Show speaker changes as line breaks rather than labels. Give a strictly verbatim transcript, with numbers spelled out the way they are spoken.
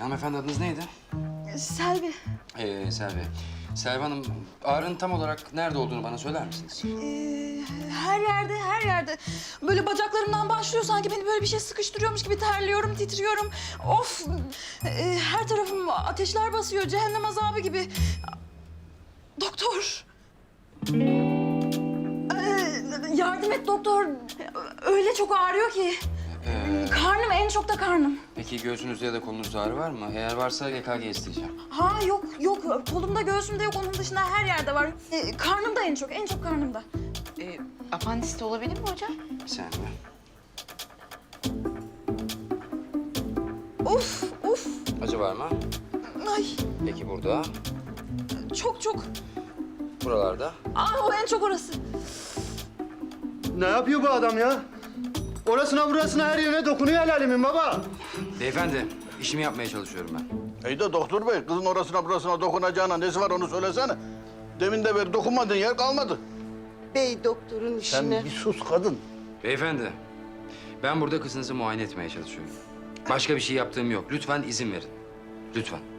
hanımefendi adınız neydi?
Selvi.
Ee, Selvi. Selvi Hanım, ağrının tam olarak nerede olduğunu bana söyler misiniz?
Ee, her yerde, her yerde. Böyle bacaklarımdan başlıyor sanki beni böyle bir şey sıkıştırıyormuş gibi terliyorum, titriyorum. Of! Ee, her tarafım ateşler basıyor, cehennem azabı gibi. Doktor! Ee, yardım et doktor. Öyle çok ağrıyor ki.
Ee,
Karnım, en çok da karnım.
peki göğsünüzde ya da kolunuzda ağrı var mı? Eğer varsa E K G isteyeceğim.
Ha yok, yok. Kolumda, göğsümde yok. Onun dışında her yerde var. Ee, karnımda en çok, en çok karnımda.
Ee, apandisit olabilir mi hocam?
Bir saniye.
Of, of.
Acı var mı?
Ay,
Peki burada,
çok çok.
buralarda.
Aa, o en çok orası.
Ne yapıyor bu adam ya? Orasına burasına her yerine dokunuyor el alemin baba.
Beyefendi, işimi yapmaya çalışıyorum ben.
İyi de doktor bey, kızın orasına burasına dokunacağına nesi var onu söylesene. Demin de beri dokunmadığın yer kalmadı.
Bey doktorun
Sen
işine...
bir sus kadın.
Beyefendi, ben burada kızınızı muayene etmeye çalışıyorum. Başka bir şey yaptığım yok. Lütfen izin verin. Lütfen.